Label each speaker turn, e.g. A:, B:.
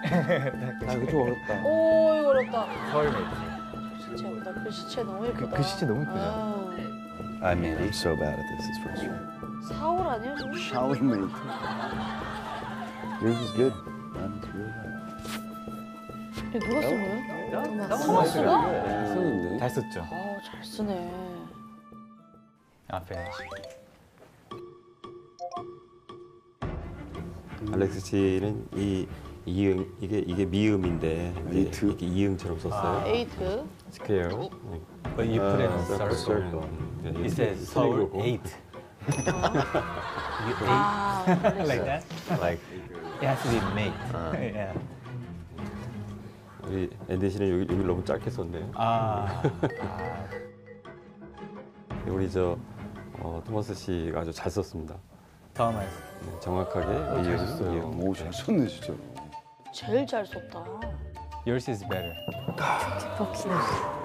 A: 아 이거 좀 어렵다.
B: 오, 이거 어렵다.
C: 서울메이트.
B: 글씨체보다 글씨체 너무 예쁘다.
C: 글씨체 너무 예쁘죠?
B: 아,
D: I mean, I'm so bad at this. It's frustrating.
B: 4월 아니에요, 지금?
D: Shall we mate? Yours is good. Mine's really bad.
B: 이거 누가 쓴 거예요?
A: 토마스가? 쓰는데.
C: 잘 썼죠?
B: 아우, 잘 쓰네.
C: 아, finish.
E: 알렉스 씨는 이 이응 이게 미음인데
D: 에이트?
E: 이렇게 이응처럼 썼어요.
B: 에이트.
E: 스퀘어.
C: But you put it in
E: circle.
C: circle.
E: 네,
C: It says Seoul 8. You 8?
B: 아,
C: Like that?
E: Like
C: It has to be mate. Yeah.
E: 우리 앤디 씨는 여기 너무 짧게 썼네요.
C: 아.
E: 우리 저 토마스 씨가 아주 잘 썼습니다.
C: Thomas.
E: 네, 정확하게
C: 잘 썼어요.
E: 이응.
D: 오, 잘 썼네, 진짜.
B: 제일 잘 썼다.
C: Yours is better.
B: 덕키네.